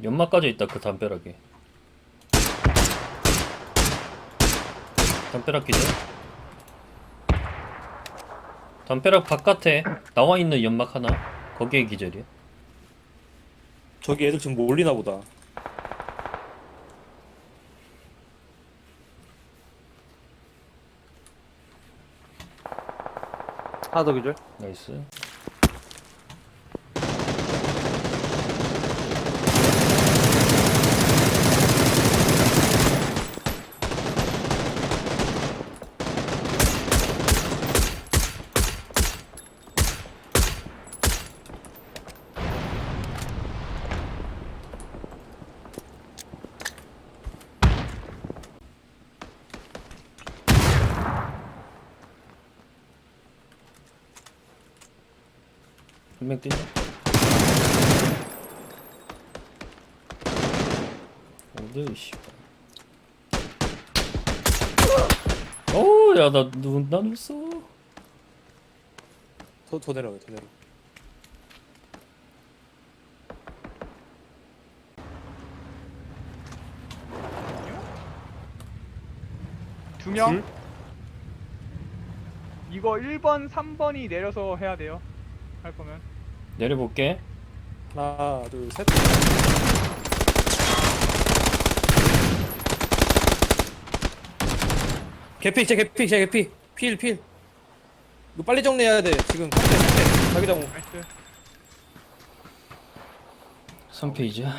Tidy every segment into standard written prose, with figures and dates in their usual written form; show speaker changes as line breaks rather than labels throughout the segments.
연막 까져 있다 그 담벼락에. 담벼락 기절. 담벼락 바깥에 나와 있는 연막 하나. 거기에 기절이야.
저기 애들 지금 몰리나 보다.
하나 더 기절.
나이스. 분명 뛰네. 어디 씨발. 오, 야, 나 웃어.
더 내려가, 더 내려.
두 명?
둘?
이거 1번, 3번이 내려서 해야 돼요. 할 거면.
내려볼게.
하나, 둘, 셋. 개피, 제 개피, 제 개피. 필. 이거 빨리 정리해야 돼. 지금 깜짝 자기장.
나이스.
3페이지야.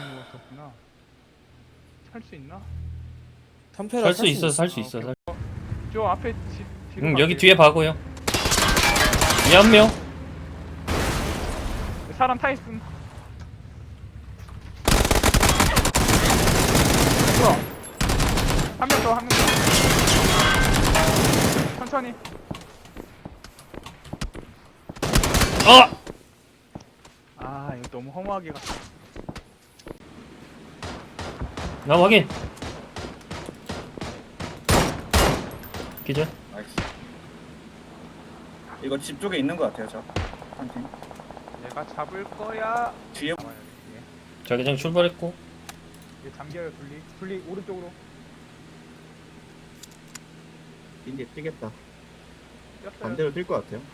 살수 있나?
살 수 있어, 살 수 있어.
저 앞에 뒤로
여기
갈게요.
뒤에 봐고요. 이 한 명.
사람 타 있음. 한 명 더, 한 명 더. 천천히.
아!
아, 이거 너무 허무하게 갔다.
나 확인. 기절.
나이스. 이거 집 쪽에 있는 것 같아요, 저. 한 팀.
내가 잡을 거야.
뒤에
잡아야 돼, 뒤에.
자기장 출발했고.
이게 잠겨요, 둘리 오른쪽으로.
이제 뛰겠다.
뛰었어요.
반대로 뛸 것 같아요.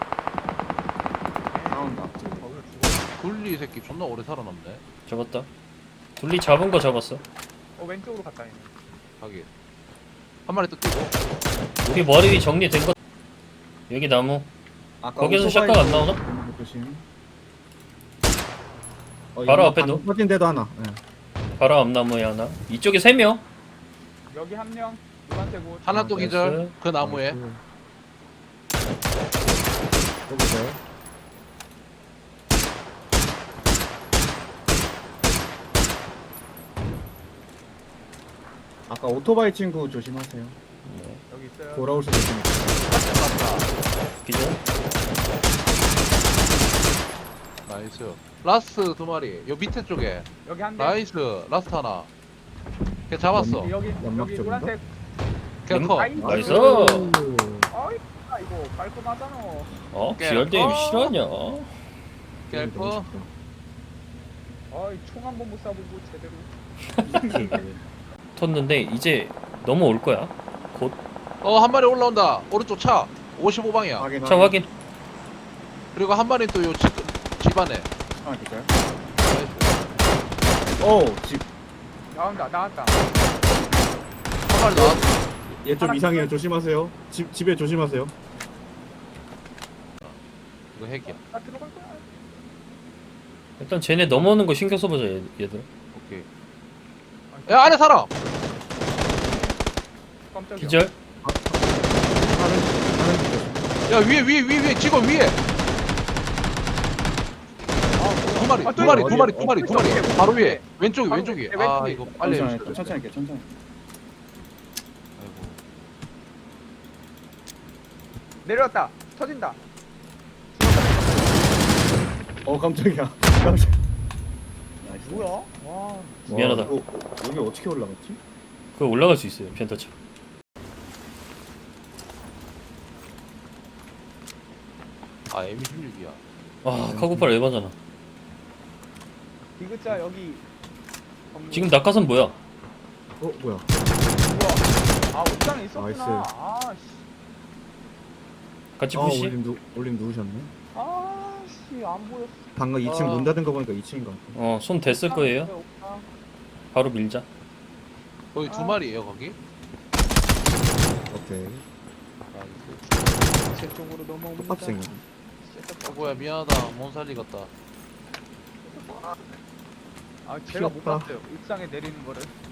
나온다.
둘리 새끼 존나 오래 살아남네.
잡았다. 둘리 잡은 거 잡았어.
왼쪽으로 갔다 있네.
하긴. 한 마리 또 뛰고.
우리 머리 위 정리된 거. 여기 나무. 거기서 샷각 안 나오나? 바로 앞에도.
터진 데도 하나. 네.
바로 앞나무에 하나. 이쪽에 3명.
여기 한 명, 노란색 옷.
하나 또
나이스.
기절. 그 나무에.
여기서요. 아까 오토바이 친구 조심하세요.
여기 있어요.
돌아올 수도 있으니까.
기절.
나이스. 라스트 두 마리. 요 밑에 쪽에.
여기 한 대.
나이스. 라스트 하나. 걔 잡았어.
여기
연막
여기
쪽인가?
노란색.
걔 커.
나이스.
아이, 이거 깔끔하잖아.
어? 기열대임 실화냐?
걔 커.
아이, 총 한 번 못 쏴보고 제대로.
텄는데 이제 넘어올 거야. 곧.
한 마리 올라온다. 오른쪽 차. 55방이야.
확인.
차 확인.
그리고 한 마리 또 요 집안에.
하나 기절.
나이스.
오, 집.
나왔다.
한 마리 나왔어.
얘 좀 이상해요. 조심하세요. 집에 조심하세요.
이거 핵이야.
나 들어갈 거야.
일단 쟤네 넘어오는 거 신경 써보자 얘들.
오케이. 야, 안에 사람!
깜짝이야.
기절.
야, 위에, 직원 위에! 두 마리,
아,
두 마리,
어디야?
두 마리, 두 마리, 두 마리.
왼쪽에,
바로 위에. 왼쪽이,
바로
왼쪽이.
왼쪽에.
아, 이거 빨리
천천히
해주세요.
할게, 천천히 할게, 천천히.
아이고.
내려왔다. 터진다.
깜짝이야. 깜짝. 나이스.
뭐야? 와.
미안하다.
여기 어떻게 올라갔지?
그거 올라갈 수 있어요. 펜터차.
아, M16이야.
아 카고팔 에바잖아.
디귿자 여기
지금 낙하산 뭐야?
어 뭐야?
뭐야? 아 옥상에 있었구나.
나이스.
아씨.
같이
아
푸시?
올림 누우셨네.
아씨 안 보였어.
방금 2층
아.
문 닫은 거 보니까 2층인 것 같아.
손 댔을 거예요.
옥상.
바로 밀자.
거기 두 마리예요 거기?
오케이.
제 쪽으로 넘어옵니다.
똑같이 생겼네.
뭐야 미안하다 몬살리 같다.
아 제가 못
귀엽다.
봤어요. 옥상에 내리는 거를.